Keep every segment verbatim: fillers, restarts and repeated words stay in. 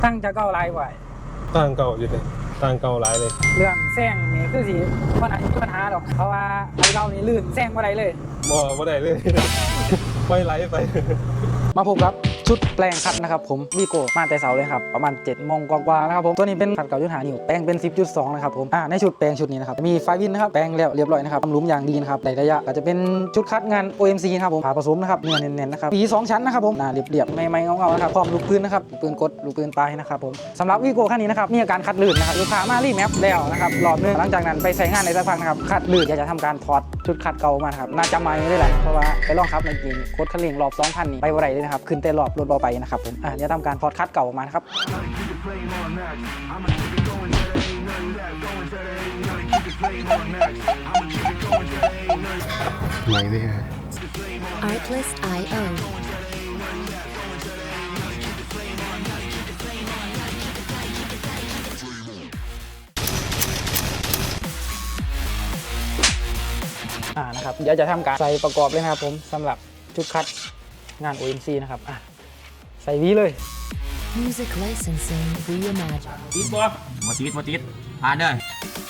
ตั้งจะเก้าลายไหวตั้งเก่าอยู่เลยตั้งเก่าหลายเลยเรื่องแซงนี่คือสิมันอาจจะมีปัญหาหรอกเพราะว่าไอ้เรานี่ลื่นแซงบ่ได้เลยบ่บ่ได้เลยปล่อยไหลไปมาพบครับชุดแปลงคัดนะครับผมวีโก้มาแต่เสาเลยครับประมาณเจ็ดโมงกว่าๆนะครับผมตัวนี้เป็นคัดเก่ายุทธหานิ้วแปลงเป็น สิบจุดสอง นะครับผมอ่าในชุดแปลงชุดนี้นะครับมีไฟวินนะครับแปลงแล้วเรียบร้อยนะครับทำหลุมอย่างดีนะครับในระยะก็จะเป็นชุดคัดงาน โอ เอ็ม ซี นะครับผมผ่าผสมนะครับเนื้อเน้นๆนะครับปีสองชั้นนะครับผมหน้าเรียบๆไม่ๆเงาๆนะครับพร้อมลูกปืนนะครับลูกปืนกดลูกปืนปลายนะครับผมสำหรับวีโก้คันนี้นะครับมีอาการคัดลื่นนะครับลูกค้ามารีแมปแล้วนะครับรอบนึงหลังจากนั้นไปใช้งานในสักพักนะครับคัดลื่นอยากจะทำการถอดชุดคัดเก่ามาครับน่าจะไม่ได้แหละเพราะว่าไปลองขับในเกมโคตรคันเร่งรอบสองพันนี่ไปบ่ได้เลยนะครับขึ้นแต่รอบรถเบาไปนะครับผมอ่ะเดี๋ยวทำการถอดคัดเก่าออกมานะครับไหนเนี่ย Artlist ไอ โออ่านะครับเดี๋ยวจะทำการใส่ประกอบเลยนะครับผมสำหรับชุดคัดงาน โอ เอ็ม ซี นะครับอ่ะใส่วีเลย Music Licensing Reimagined ติดบ่บ่ติดบ่ติดผ่านเด้อ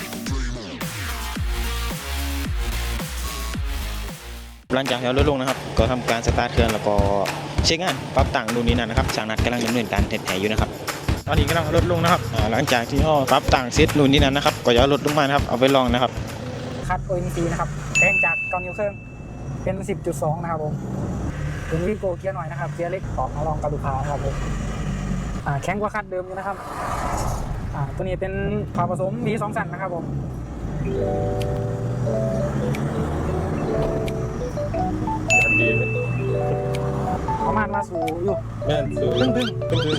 หลังจากที่เราลดลงนะครับก็ทำการสตาร์ทเครื่องแล้วก็เช็คงานปรับต่างดูนี้นั่นนะครับช่างนัดกำลังดำเนินการเทสแผลอยู่นะครับตอนนี้กำลังลดลงนะครับหลังจากที่เราปรับต่างเซตนู่นนี่นั่นนะครับก็จะลดลงมานะครับเอาไปลองนะครับคัด โอ เอ็ม ซี นะครับแปลงจากเก้านิ้วครึ่งเป็น สิบจุดสอง นะครับผมเป็นวีโก้เกียร์หน่อยนะครับเกียร์เล็กของมาลองกระดูกพาครับผมอ่าแข็งกว่าคัดเดิมอยู่นะครับอ่าตัวนี้เป็นผ่าผสมมีสองสันนะครับผมดีเลยประมาณมาสู่อยู่แม่นสูงตึ้งตึ้งตึ้งตึ้ง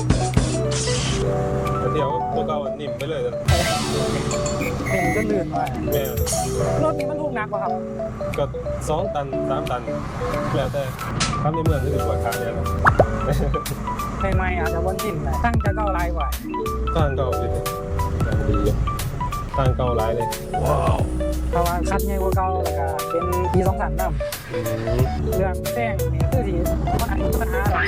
เดี๋ยวตัวเก่านิ่มไปเลยนะเห็นก็ลื่นมาแม่รถนี้มันทุกหนักกว่าครับก็สองตันสามตันแล้วแต่ทำในเมืองที่ปวดขาเนี่ยนะใหม่ๆอาจจะวนจินนะตั้งจะเก้าลายไหวตั้งเก่าอยู่เลยดีตั้งเก่าหลายเลยว้าวเพราะว่าคัดใหญ่กว่าเก่าแล้วก็เป็นปีสองสันน้ำเรื่องแซงนี่คือสิมันอาจจะมีปัญหาหรอก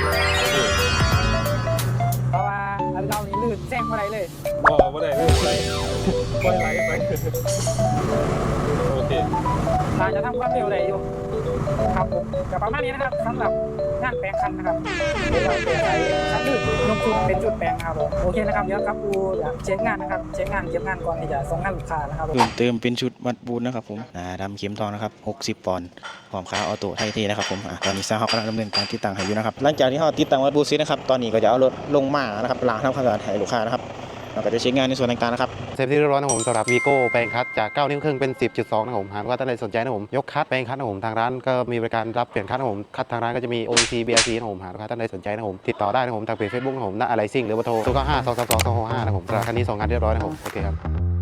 เพราะว่าอันเก่านี่ลื่นแซงบ่ได้เลยบ่บ่ได้เลยไปปล่อยไหลไปโอเคอาจจะทำความเร็วได้อยู่ครับผมแต่ประมาณนี้นะครับสำหรับงานแปลงคันนะครับเดี๋ยวเราเปลี่ยนใส่คันลื่นลงทุนเป็นจุดแปลงนะครับผมโอเคนะครับเดี๋ยวครับดูเช็คงานนะครับเช็คงานเก็บงานก่อนที่จะส่งงานลูกค้านะครับเพิ่มเติมเป็นชุดวัดบูนนะครับผมอ่าดำเข็มทองนะครับหกสิบปอนด์พร้อมขาออโต้ไทยเทนะครับผมอ่าตอนนี้ซาฮอกกำลังดำเนินการติดตั้งให้อยู่นะครับหลังจากที่เราติดตั้งวัดบูนเสร็จนะครับตอนนี้ก็จะเอารถลงมานะครับล้างทำความสะอาดให้ลูกค้านะครับเราก็จะเช็คงานในส่วนต่างๆนะครับเซฟที่เรียบร้อยนะผมสำหรับวีโก้แปลงคัดจากเก้านิ้วครึ่งเป็น สิบจุดสอง นะผมหากว่าท่านใดสนใจนะผมยกคัดแปลงคัดนะผมทางร้านก็มีบริการรับเปลี่ยนคัดนะผมคัดทางร้านก็จะมี โอ อี ซี บี อาร์ ซี นะผมหากว่าท่านใดสนใจนะผมติดต่อได้นะผมทางเพจ เฟซบุ๊ก นะผมณอะไรซิ่งหรือว่าโทรศูนย์ เก้า ห้า สอง สาม สอง สอง หก ห้านะผมสำหรับคันนี้ส่งงานเรียบร้อยนะผมโอเคครับ